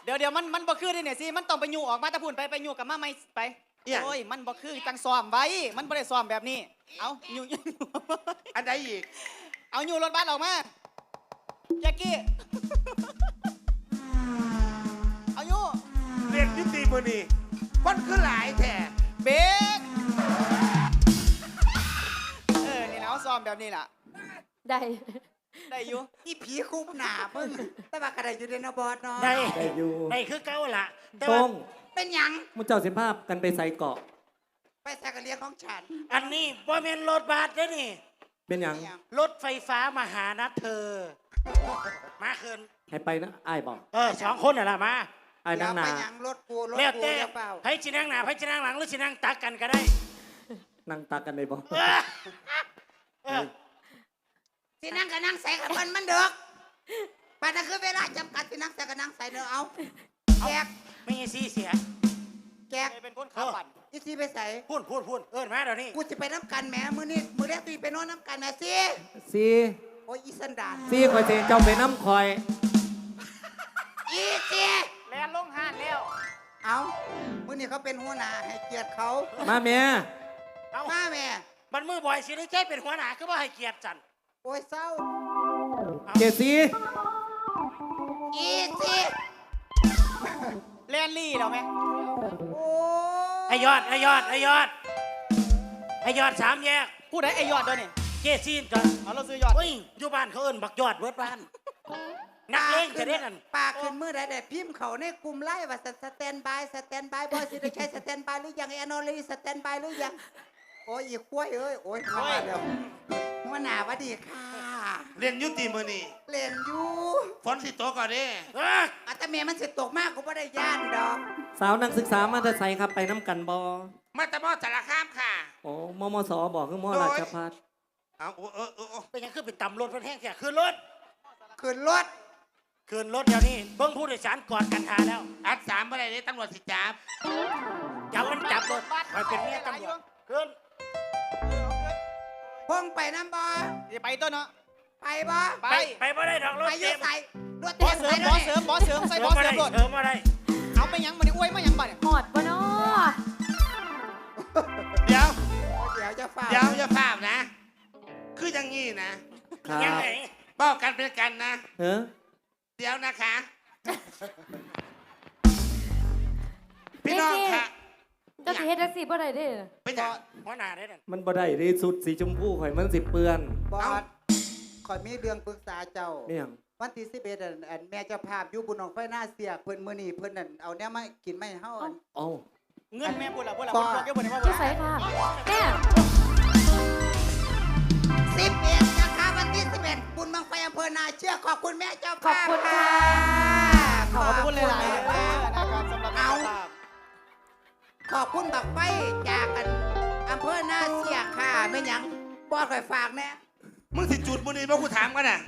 เดี๋ยวมันบ่คือได้เนี่ยสิมันต้องไปอยู่ออกมาตะพุ่นไปอยู่กับมาไม่ไปโอ้ยมันบ่คือจังซ้อมไว้มันบ่ได้ซ้อมแบบนี้เอาอยู่อันใดอีกเอาอยู่รถบัสออกมาแจ็คกี้เอาอยู่เรียนยุติมือนี่คนคือหลายแท้เบรกนี่นะซ้อมแบบนี้ล่ะได้อยู่อีผีคุบหนาเพิ่งแต่ว่ากระไดอยู่ในนบอสเนาะได้อยู่ได้คือเก่าล่ะตรงเป็นหยังมุเจ้าสิภาพกันไปใส่เกาะไปใส่กระเลียงของฉันอันนี้บ่แม่นรถบัสเด้อนี่เป็นหยังรถไฟฟ้ามาหานัดเธอมาคืนให้ไปนะอ้ายบอก 2 คนน่ะล่ะมาไอ้นั่งหนารถกูเรียกเต้ให้ชินั่งหน้าให้ชินั่งหลังหรือชินั่งตักกันก็ได้นั่งตักกันได้บ่สินั่งก็นั่งใส่กับมันเด้อป่านนั้นคือเวลาจำกัดสินั่งใส่ก็นั่งใส่เด้อเอาแกไม่ใช่ซีเสียแกเป็นคนขับปั่นอีซีไปใส่พูดมาเดี๋ยวนี้กูจะไปน้ำกันแหมมือแรกตีไปนอนน้ำกันนะซีโอ้ยอีสันดานซีคอยเจเจ้าไปน้ำคอยอีซีแลนลงห้านแล้วเอามือนี่เขาเป็นหัวหน้าให้เกียรติเขามาเมียมาแม่มันมือบ่อยสิได้แค่เป็นหัวหน้าก็ว่าให้เกียรติจันโอ้ยเศร้าเกซีอีซีแลนลี่เราไหมโอ้ไอยอด3 แยกพูดได้ไอยอดด้วยนี่เจซีนกันเอาเราซื้อยอดอยู่บ้านเขาเอิ้นบักยอดเวิร์ดบ้านนักเลงจะได้กันปากขึ้นมือได้พิมพ์เขาในกลุ่มไล่ว่าสแตนบายบอยสิได้ใช้สแตนบายหรือยังแอนอลีสแตนบายหรือยังโอ้ยอีกล้วยเอ้ยโอ้ยมาแล้วหัวหน้าวัดีค่ะเรียนยุติมือนี่เรียนอยู่ฝนสิตกก่อนเด้อาตเมียมันสิตกมากกูไม่ได้ย่านดอกสาวนักศึกษามาจะใส่ครับไปน้ำกันบอมาตะมอสารคามค่ะโอ้มสบอกคือมราชภัฏเอาเป็นยังคือเป็นตำรวจเป็นแห้งแค่ขึ้นรถเดี๋ยวนี้เบิ้งผู้โดยสารกอดกันหาแล้วอัด3เมื่อไรเนี่ยตำรวจสิจับมันจับรถคอยเป็นเมียตำรวจขึ้นพงไปน้ำบอจะไปต้นเนาะไปบ่บ่ได้ดอกรถไปยืดใส่รถบอสเสริมใส่บอสเสริมรถมาได้เอาไปยังมาดิอ้วยมายังบ่เนี่ยหอดบ่เนาะเดี๋ยวจะฝ่าอย่าฝ่านะคืออย่างงี้นะยังไงบอกกันเป็นกันนะเดี๋ยวนะคะพี่น้องค่ะก็สิเฮ็ดจังซี่บ่ได้เด้เป็นจังหัวหน้าได้มันบ่ได้ดิสุดสีชมพูข่อยมันสิเปื้อนบอสข่อยมีเรื่องปรึกษาเจ้าวันที่11อันแม่เจ้าภาพอยู่บุญหนองไฟหน้าเสียเพิ่นมื้อนี้เพิ่นนั่นเอาแนวมากินไม่เฮาเงินแม่บุญล่ะบอกแกบ่ได้ว่าที่ใส่ค่ะแม่ 11นะคะวันที่11บุญบังไฟอำเภอนาเชือกขอบคุณแม่เจ้าภาพขอบคุณค่ะขอบคุณหลายๆนะครับสำหรับเอาขอบคุณบักไฟจากกันอำเภอนาเสียค่ะแม่หยังบอสข่อยฝากแน่มึงสิจุดมื้อนี้บ่กูถามกันน่ะ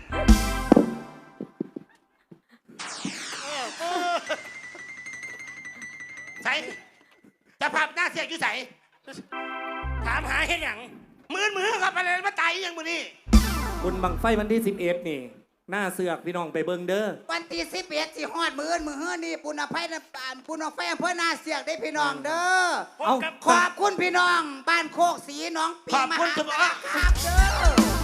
ใส่จะภาพหน้าเสียอยู่ใส่ถามหาเฮ็ดหยังมือครับอะไรมาตายยังมื้อนี้บุญบังไฟวันที่11นี่หน้าเสือกพี่น้องไปเบิ่งเด้อวันที่11สิฮอดมื้อนี่ปุณไฟปุณไฟอำเภอนาเสียกได้พี่น้องเด้อขอบคุณพี่น้องบ้านโคกสีน้องปีมหาครับเด้อ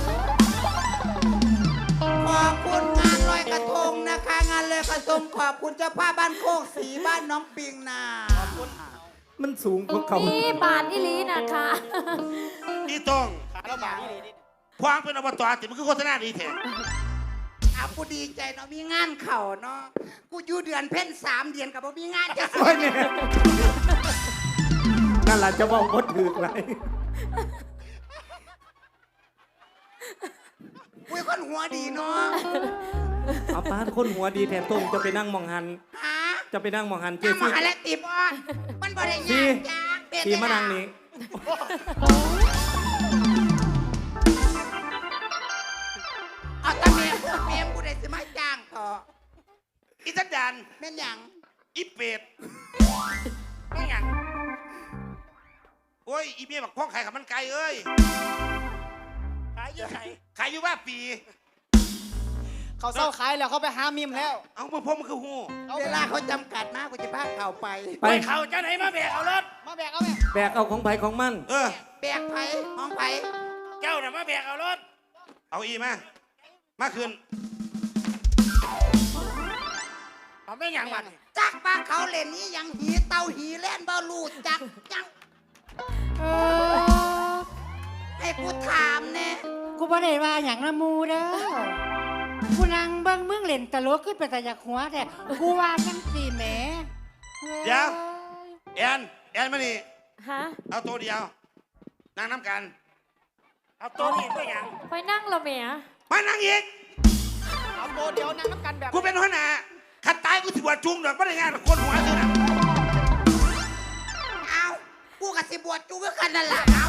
ขอบคุณงานลอยกระทงนะคะงานลอยกระทงขอบคุณเจ้าภาพบ้านโคกสีบ้านน้องปิงนาขอบคุณมันสูงกว่าเขานี่บาทอีหลีนะคะอีต้องขาเราบาทอีหลีนี่พวางเป็นอบตติมันคือโฆษณาดีแท้กูดีใจเนาะมีงานเข่าเนาะกูอยู่เดือนเพ่น3 เดือนกับบ่มีงานจะสวยเนี่ยนั่นแหละจะบอกว่าถือไรกูคนหัวดีเนาะเอาป้าคนหัวดีแทนตรงจะไปนั่งมองหันจะไปนั่งมองหันเจ๊ซี่และตีบอลมันบ่ได้ยากจ้าตีมานั่งนี้เอาตาเมียกูได้สิมาจ้างต่ออีสันดานแม่นหยังอีเป็ดแม่นหยังโอ้ยอีเมียบักพ่อขายกับมันไก่เอ้ยขายอยู่ไหนขายอยู่ว่าปีเขาเศร้าขายแล้วเขาไปหามิมแล้วเอามาพบมันคือหูเวลาเขาจำกัดมากกูจะพาเข่าไปไปไปเขาเจ้าไหนมาแบกเอารถมาแบกเอาแม่แบกเอาของไผของมันแบกไผ่ห้องไผ่เจ้าน่ะมาแบกเอารถเอาอีมาคืนเอาไม่หยังมันจักป้าเขาเล่นนี้ยังหีเตาหีแล่นบ่ลูดจักจังให้กูถามแน่กูบ่ได้ว่าอย่างละมูเด้อ กูนั่งเบิ่งมึงเล่นตลกขึ้นไปแต่อยากหัวแต่กูว่าจังสี่แหมเดี๋ยวแอนมานี่ฮะเอาตัวเดียวนั่งน้ำกันเอาตัวนี้ไม่หยังไปนั่งและแหม่มานั่งอีกเอาโตเดียวนั่งน้ำกันแบบกูเป็นหัวหน้าขัดตายกูสิบวชจุงดอกไม่ได้งานกับคนหัวซื้อน่ะเอากูกับสิบวชจูก็กันนั่นแหละเอา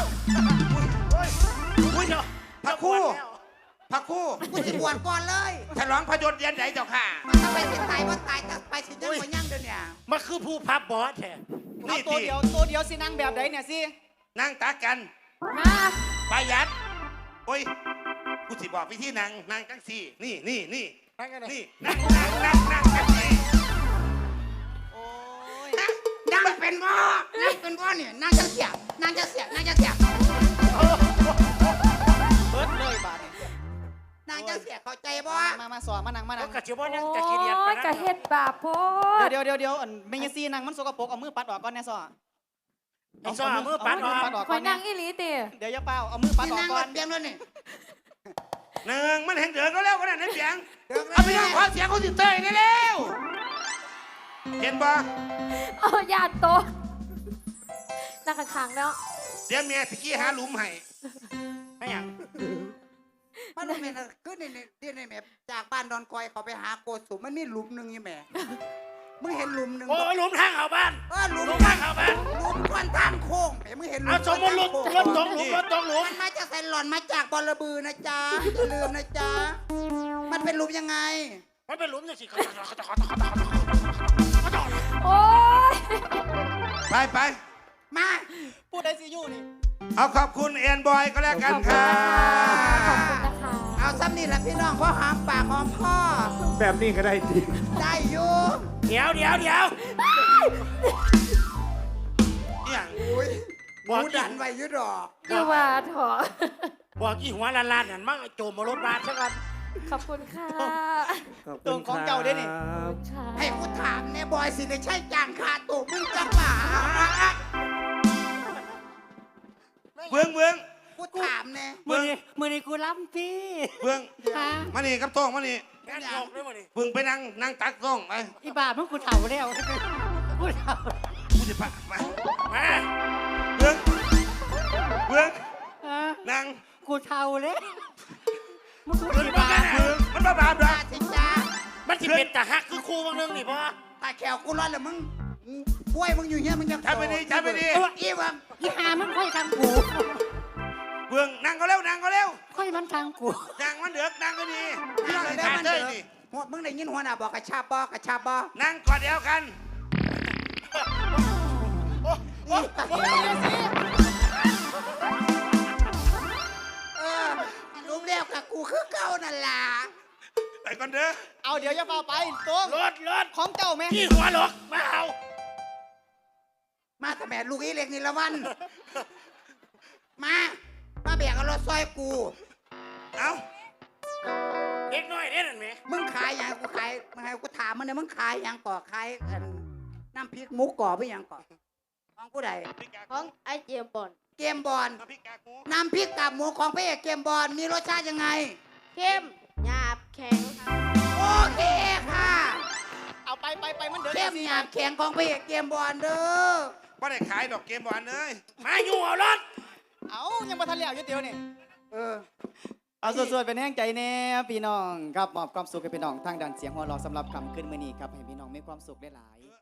อุ้ยพระครู่พระครู่กูสิบวชก่อนเลยฉลองพระยศเรียนไหนเจ้าค่ะมันจะไปสิตายว่าตายจะไปสิยังบ่ยังเดี๋ยวนี้มันคือผู้พับบอสแท้เอานี่โตตีเดียวสินั่งแบบไหนเนี่ยสินั่งตักกันฮะประหยัดโอ้ยกูสิบอกวิธีนั่งจังสี่นี่นั่งกันเลยนี่นั่งจังสี่โอ้ยนั่งเป็นบ่นั่งเป็นบ่เนี่ยนั่งจะเสียบนั่งจะเสียบนั่งจะเสียบเบิดเลยบาดนี่นั่งจะเสียบเข้าใจบ่มาสอนมานั่งก็กระชิบว่าโอ้ยังจะขี้เดียดไปยกะเฮ็ดบาปโพดเดี๋ยวอันเมยซีนั่งมันสกปรกเอามือปัดออกก่อนแน่ซอไอ้ซ้อมือปัดออกปัดออกคก่ออย นนั่นะงอีหลีติเดี๋ยวอย่าเป้าเอามือปัดนี่ออกนั่งก่รอนถเบียงแล้วนี่หนึ่งมันเห็นเดือดก็แล้วก็ได้ในเสียงเดี๋ยวเอาไปนั่งขอเสียงเขาสิเตยได้แล้วเห็นปะเอาญาติโตะนั่งข้างๆแล้วเดี๋ยวเมียตะกี้หาหลุมให้ไม่หยังมันบ่แม่นคือนี่แม่จากบ้านดอนกอยเขาไปหาโกสุมมันมีหลุมหนึงนี่แม่มึงเห็นหลุมหนึงโอ้ยหลุมทางเข้าบ้านหลุมหลุมทางเข้าบ้านหลุมควันทางโค้งแม่มึงเห็นหลุมเอาสมมติรถควันทางตโค้กงหลุมรถตกหลุมมันมาจากไซหลอนมาจากบอระบือนะจ๊ะอย่าลืมนะจ๊ะมันเป็นหลุมยังไงมันเป็นหลุมจังสิโอ้ยไปมาพูดได้สิอยู่นี่เอาขอบคุณแอนบอยก็แล้วกันค่ะขอบคุณนะคะเอาซ้ำนี่แหละพี่น้องเพราะหอมปากหอมคอแบบนี้ก็ได้จริงได้อยู่เดี๋ยวอหย่างอุ้ยบอกกูดันไว้อยุดอกอยู่ว่าเถอะบอกกี่หัวล้านๆนั่นมั่งโจมมารถบ้านซะก่อนขอบคุณค่ะขอบตรงของเจ้าได้นี่ครับค่ะให้กูถามเนี่ยบอยสิได้ใช่จ้างค่าตัวมึงจังหวะเบื้องกูถามเนี่ยมือนี่กูล้ำพี่เบื้องฮะมานี่กับโต้งมานี่งานโยกด้วยมั้นี่เบื้องไปนั่งตักโต้งไปอีบามึงกูเฒ่าแล้วกูเฒ่ากูจะพามามาเบื้องฮะนั่งกูเฒ่าแล้วมึงกูเบื้องอีบ้าบาเบื้องมันบ้าดอกสิจ้ามันสิเป็นตาฮักคือครูบางนึงนี่พ่อตาแขวกูร้อนแล้วมึงป่วยมึงอยู่เงี้ยมึงยังทำไปดีอีวังอีหามึงค่อยทางกูเบื้องนั่งก็เร็วค่อยมันทางกูนั่งมันเดือกนั่งก็ดีนั่นั่งงเลยเลยได้ขามันเต้เด้ยอนี่หัวมึงได้ยินหัวหน้าบอกกระชาบบอกระชาบอนั่งกอดเดียวกันรู้แล้วกับกูคือเก่านั่นล่ะไปก่อนเด้อเอาเดี๋ยวอย่าเป้าไปตรงรถของเจ้าแม่กี่หัวหลกมาเอามาทำแม่ลูกอีเล็กนี่ละวัน มาแบกเอารถซอยกูเอาเด็กน้อยเด้นั่นแหมมึงขายอย่างกูขายมึงให้กูถามมันเนี่ยมึงขายอย่างก่อขายน้ำพริกหมูก่อไปอย่างก่อของผู้ใดของไอเจียมบอนเกมบอลน้ำพริกกากหมูน้ำพริกกับหมูของพระเอกเกมบอลมีรสชาติยังไงเข้มหยาบแข็งโอเคค่ะเอาไปมันเดือดเข้มหยาบแข็งของพระเอกเกมบอลเด้อไม่ได้ขายดอกเกมบอลเลยมาอยู่เอารถเอายังมาทันแล้วอยู่เดียวนี่เออเอาสวดๆเป็นแห้งใจแน่พี่น้องครับมอบความสุขให้พี่น้องทางด้านเสียงหัวเราะสำหรับคำขึ้นมื้อนี้ครับให้พี่น้องมีความสุขหลายๆ